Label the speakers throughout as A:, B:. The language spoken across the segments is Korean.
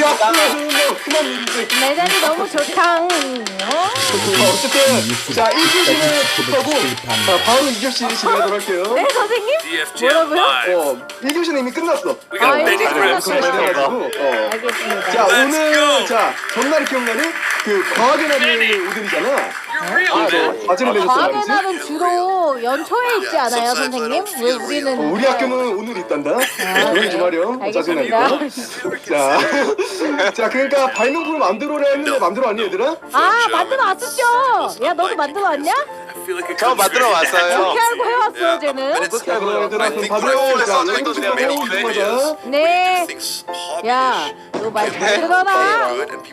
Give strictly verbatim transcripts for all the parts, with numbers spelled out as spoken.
A: 그거는 뭐 흔한 일이지.
B: 매장이 너무 좋다. 어?
A: 어쨌든 자 일 교시는 끝하고 자 바로 이 교시 진행하도록 할게요.
B: 네 선생님? 뭐라고요?
A: 어 일 교시는 이미 끝났어.
B: 아 일 교시
A: 그래가지고
B: 끝났어요.
A: 어.
B: 알겠습니다.
A: 자 오늘 자 전날이 기억나는 그 과학의 날이 오늘이잖아. 그래서 과제를 내줬단
B: 과학의
A: 말이지.
B: 날은 주로 연초에 있지 않아요 선생님? 왜 우리는
A: 어, 우리 학교는 오늘 있단다. 조용히 좀 하렴.
B: 알겠습니다.
A: 짜증나니까. 자, 자 그러니까 발명품을 만들어라 했는데 만들어 왔니 얘들아?
B: 아 만들어 왔었죠? 야 너도 만들어 왔냐?
C: 저 만들어 왔어요.
B: 어떻게 알고 해왔어 쟤는?
A: 자 그럼 얘들아 그럼 다들 자 연습 좀 해보고 하자.
B: 네. 야 너 말 잘 들어라.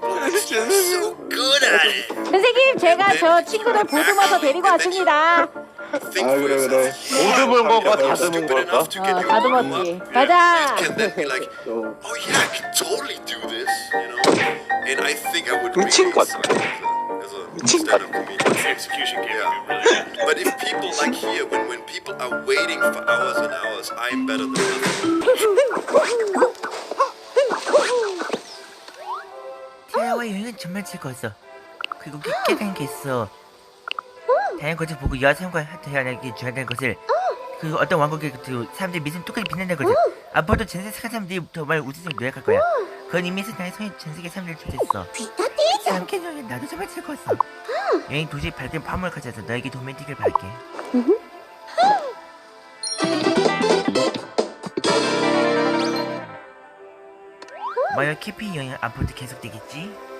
B: 선생님 제가 저 친구들 보듬어서 데리고 왔습니다.
A: 아 그래 그래.
C: 모듬은 거가 다듬은 걸까?
B: 어 다듬었지. 가자.
A: 어.
D: Oh yeah, I could totally do this, you know. And I think I would
C: 미친
D: really
C: 것
D: excel as a stand-up comedian. Execution game. Yeah. But if people like here, when when people are waiting for hours and hours, I'm better than them.
E: 태아와 여행은 정말 즐거웠어. 그리고 깨달은 게 있어. 다양한 것을 보고 여성과 태어나기 중요하다는 것을, 그 어떤 왕국의 그 사람들이 믿음 똑같이 빛낸다는 것을. 앞으로도 전세 착한 사람들이 정말 우주에서 노력할 거야. 그건 이미 나의 손에 전 세계 사람들을 초대했어. 함께 여행 나도 정말 즐거웠어. 여행 도저히 밝은 파문을 가져서 너에게 도움이 되길 바랄게. 만약 캐피 여행 앞으로도 계속되겠지?